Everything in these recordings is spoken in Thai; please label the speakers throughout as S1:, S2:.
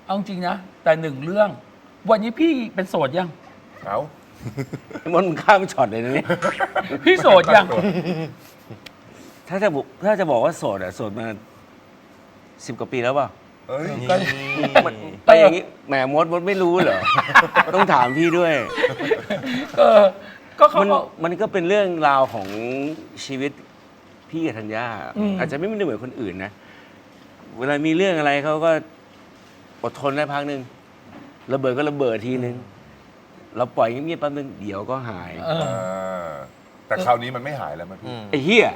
S1: เอาจริงนะแต่หนึ่งเรื่อง วันนี้พี่เป็นโสดยัง
S2: เอา
S3: มันข้ามช็อตเลยนะนี่
S1: พี่โสดยัง
S3: ถ้าจะบอกว่าโสดอะโสดมา10 กว่าปีแล้วเปล่า
S2: เอ้ย
S3: มันไปอย่างนี้แหมมดไม่รู้เหรอ ต้องถามพี่ด้วย
S1: เออก็เขา
S3: มัน
S1: บอก
S3: มันก็เป็นเรื่องราวของชีวิตพี่กับธัญญา
S1: อืม
S3: อาจจะไม่เหมือนคนอื่นนะ เวลามีเรื่องอะไรเขาก็อดทนได้พักหนึ่งระเบิดก็ระเบิดทีนึง เราปล่อยเงียบๆแป๊บนึงเดี๋ยวก็หาย
S1: เออ
S2: แต่คราวนี้มันไม่หายแล้วมั้ยพี่
S3: ไอ้เหี้ย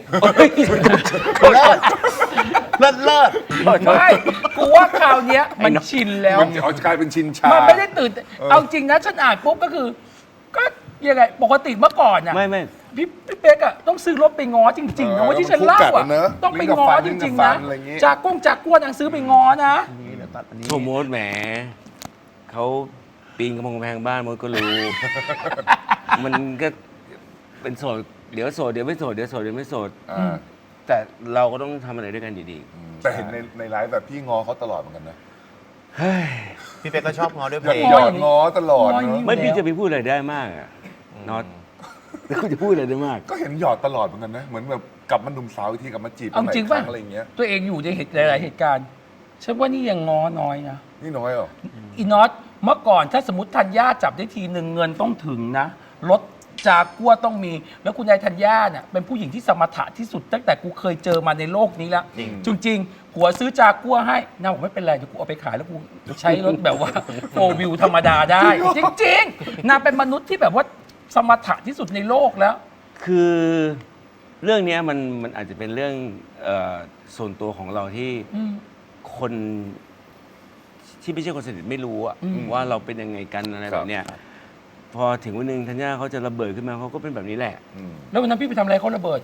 S4: เลิศเลิศ
S1: ไม่กูว่าคราวเนี้ยมันชินแล้ว
S2: มันเอากลายเป็นชินชา
S1: มันไม่ได้ตื่น เอาจริงนะฉันอ่านปุ๊บก็คือ ก็ยังไงปกติเมื่อก่อนอ่ะ
S3: ไม่
S1: พี่เป๊กอ่ะต้องซื้อรถไปง้อจริงๆนะว่าที่ฉันเล่าอ่ะต้องไปง้อจริงๆนะจากกล้วนนางซื้อไปง้อนะ
S4: นี่เดี๋ยวตัดอันนี้
S3: โทโมดแหมเขาปีนกำแพงบ้านมดก็รู้ มันก็เป็นโสดเดี๋ยวโสดเดี๋ยวไม่โสดเดี๋ยวโสดเดี๋ยวไม่โสด แต่เราก็ต้องทำอะไรด้วยกันดี
S2: แต่เห็นในไลฟ์แบบพี่งอเขาตลอดเหมือนกันนะ
S3: ๆเฮ้ย
S4: พี่เป๊กก็ชอบง้อด้วยเพ
S2: หย
S4: ล
S2: อด
S4: ง
S2: หยอดงอตลอด
S1: ง้ออย่างนี้
S2: เนาะ
S3: ไม่พี่จะไปพูดอะไรได้มากอะน็อตแล้วคุณจะพูดอะไรได้มาก
S2: ก็เห็นหยอดตลอดเหมือนกันนะ เหมือนแบบกลับมาหนุ่มสาวอีกทีกลับมาจีบ
S1: เอาจริง
S2: กั
S1: ป่ะ
S2: นอะไรอย่างเงี้ย
S1: ตัวเองอยู่ในหลายๆเหตุการณ์ฉันว่านี่ยังง้อน้อยนะ
S2: นี่น้อยเหรอ
S1: อีน็อตเมื่อก่อนถ้าสมมติธัญญาจับได้ทีหนึ่งเงินต้องถึงนะรถจากัวต้องมี แล้วคุณยายธัญญาเนี่ยเป็นผู้หญิงที่สมถะที่สุดตั้งแต่กูเคยเจอมาในโลกนี้แล้วจริงๆผัวซื้อจากัวให้นางบอกไม่เป็นไรเดี๋ยวกูเอาไปขายแล้วกูใช้รถแบบว่าโฟวิวธรรมดาได้ จริงๆนางเป็นมนุษย์ที่แบบว่าสมถะที่สุดในโลกแล้ว
S3: คือเรื่องเนี้ยมันอาจจะเป็นเรื่องส่วนตัวของเราที่
S1: อืม
S3: คนที่ไม่ใช่คนสนิทไม่รู้อะ
S1: อืม
S3: ว่าเราเป็นยังไงกันอะไรแบบเนี้ยพอถึงวันหนึ่งธัญญาเขาจะระเบิดขึ้นมาเขาก็เป็นแบบนี้แหละ
S1: แล้ววันนั้นพี่ไปทำอะไรเขาระเบิด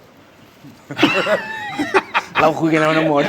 S3: เราคุยกันแล้วนะมด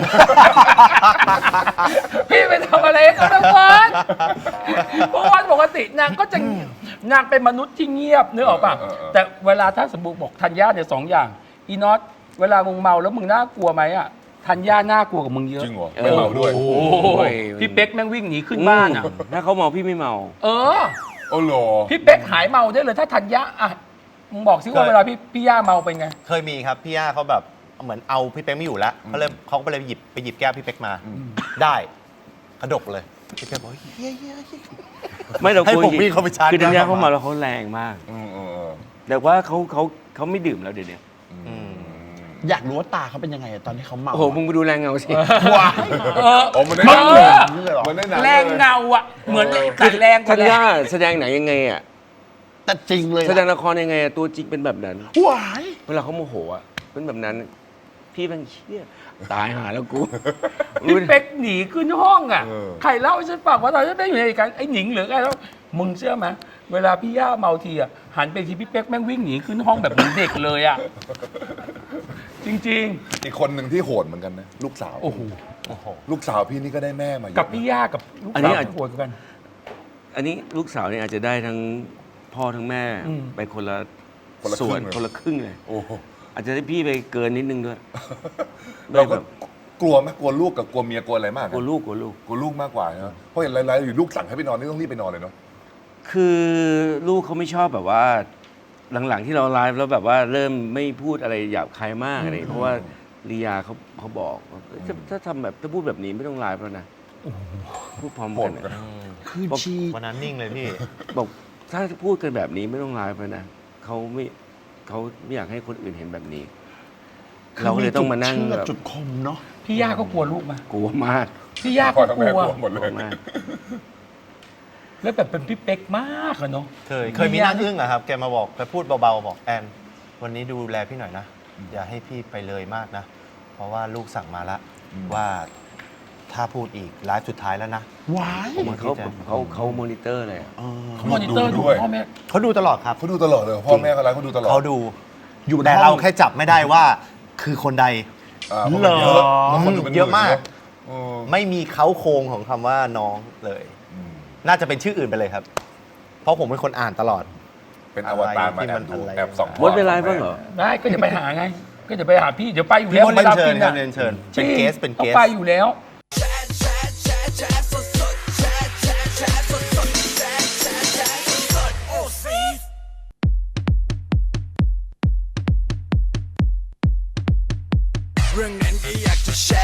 S1: พี่ไปทำอะไรให้เขาระเบิดเพราะว่าปกตินางก็จะนางเป็นมนุษย์ที่เงียบนึกออกป่ะแต่เวลาถ้าสมมติบอกธัญญาเนี่ย2 อย่างอีน็อตเวลามึงเมาแล้วมึงน่ากลัวไหมอ่ะธัญญาน่ากลัวกับมึงเยอะ
S2: จริงเหรอไม่เมาด้วย
S3: โอ้
S1: โอ้
S3: ย
S1: ยพี่เป๊กแม่งวิ่งหนีขึ้นบ้านอ่ะ
S3: ถ้าเขาเมาพี่ไม่เมา
S1: เออ
S2: โอ้โห
S1: พี่เป๊กหายเมาได้เลยถ้าธัญญาอ่ะมึงบอกสิว่าเวลาพี่ย่าเมาเป็นไง
S4: เคยมีครับพี่ย่าเขาแบบเหมือนเอาพี่เป๊กไม่อยู่แล้วเขาก็เลยหยิบแก้วพี่เป๊กมา ได้กระดกเลยพี่เป๊กบอกเฮ้ย
S3: ไม่เรา
S4: ให้
S3: คุย
S4: ผมวิ่งเข้าไปชาร์จ
S3: คือธัญญา
S4: แก้ว
S3: เขาเมาแล้วเขาแรงมาก แต่ว่าเขาไม่ดื่มแล้วเดี๋ยวนี้
S5: อยากรู้ว่าตาเขาเป็นยังไงอะตอนที่เขาเมา
S3: โอ้โหมึงไปดูแรงเงาสิ
S5: ว้าย
S2: โอ้มันได้
S1: เอ
S2: หนัง
S1: อ
S2: เลยมันได้หนัง
S1: แรงเงาอ่ะเหมือนแต่แรงก
S3: ธั
S1: ว่า
S3: ญ
S1: แร
S3: ญาง แสดงหนังยังไงอ่ะ
S5: แต่จริงเลย
S3: แสดงละครยังไงอะตัวจริงเป็นแบบนั้น
S5: ว้าย
S3: เวลาเขาโมโหอ่ะเป็นแบบนั้น พี่เป็นเชี่ยตายหาแล้วกู
S1: พี่เป๊กหนีขึ้นห้องอ่ะใครเล่าให้ฉันฟังว่าตอนนั้นเป๊กอยู่ในเหตุการณ์ไอ้หนิงหรือใครแล้วมึงเชื่อไหมเวลาพี่ย่าเมาทีอ่ะหันไปทีพี่เป๊กแม่งวิ่งหนีขึ้นห้องแบบเหมือนเด็กเลยอ่ะจริง
S2: อีกคนหนึ่งที่โหดเหมือนกันนะลูกสาว
S1: ๆ โอ้โห
S2: ลูกสาวพี่นี่ก็ได้แม่มาเยอะ
S1: กับพี่ย่ากับลูก
S3: อัน
S1: สา
S3: นี้
S1: ว
S3: อาจ
S1: โหดกัน
S3: อันนี้ลูกสาวเนี่ยอาจจะได้ทั้งพ่อทั้งแม่
S1: อืม
S3: ไปคนละ
S2: คนละค
S3: ส่
S2: รึ่
S3: วน
S2: งเลย
S3: คนละครึ่งเลย
S2: โอ้โห
S3: อาจจะได้พี่ไปเกินนิดนึงด้วย
S2: เราก็
S3: แบบ
S2: กลัวไหมกลัวลูกกับกลัวเมียกลัวอะไรมาก
S3: กลัวลูกกลัวลูก
S2: กลัวลูกมากกว่านะเพราะเห็นหลายๆอยู่ลูกสั่งให้ไปนอนนี่ต้องรีบไปนอนเลยเนาะ
S3: คือลูกเขาไม่ชอบแบบว่า หลังๆที่เราไลฟ์แล้วแบบว่าเริ่มไม่พูดอะไรหยาบคายมากอะไรเพราะว่าลียาเขาบอกว่าถ้าทำแบบถ้าพูดแบบนี้ไม่ต้องไลฟ์แล้วนะพูดพร้อมกันนะ
S5: คือชี
S4: วันนั้นนิ่งเลยพี่
S3: บอกถ้าพูดกันแบบนี้ไม่ต้องไลฟ์แล้วนะเขาไม่อยากให้คนอื่นเห็นแบบนี้ เราก็เลยต้องมานั่ง
S5: เชื่
S3: แบบ
S5: จุดคมเนาะ
S1: พี่ย่าก็กลัวลูกไหม
S3: กลัวมาก
S1: พี่ย่า
S2: พ่อ
S1: ก็
S2: ทั้ง
S1: ก
S2: แม่
S1: ลัว
S2: กลัวหมดเล
S3: กลัวย มาก
S1: แล้วแบบเป็นพี่เป๊กมากอะเนาะ
S4: เคยมีหน้าอึ้งอะครับ แกมาบอกแกพูดเบาๆบอกแอนวันนี้ดูแลพี่หน่อยนะ อย่าให้พี่ไปเลยมากนะ เพราะว่าลูกสั่งมาละว่าถ้าพูดอีกไลฟ์สุดท้ายแล้วนะ
S5: ว้าย
S3: ผมว่าเขามอนิเตอร์เลยอะ
S1: เขามอนิเตอร์ดูพ่อแม่
S4: เขาดูตลอดครับ
S2: เขาดูตลอดเลยพ่อแม่เขาไลฟ์เขาดูตลอด
S4: เขาดู
S5: อยู่
S4: แต่
S5: ในห้
S4: เรา
S5: อง
S4: แค่จับไม่ได้ว่าคือคนใด
S2: เพราะมันเยอะแล้วคนดูเป็นห
S4: เยอะมาก
S2: เออ
S4: ไม่มีเขาโครงของคำว่าน้องเลย น่าจะเป็นชื่ออื่นไปเลยครับ เพราะผมเป็นคนอ่านตลอด
S2: เป็นอวตารมาแอบดู
S4: อะไร
S2: แอบส่อง
S3: มดเป็นไรบ้างเหรอ
S1: ได้ก็จะไปหาไง ก็จะไปหาพี่เดี๋ยวไปอยู่
S4: พี่
S1: แล้ว
S4: มดเรียนเชิญ
S1: วลา
S4: ครับ
S1: กิ
S4: เรียนเชิญ
S1: จริ
S4: เป็น
S1: ง
S4: เกสเป็น
S1: ต้อ
S4: เก
S1: ง
S4: ส
S1: ไปอยู่แล้ว
S6: แชร์เรื่องนั้นก็อยากจะแช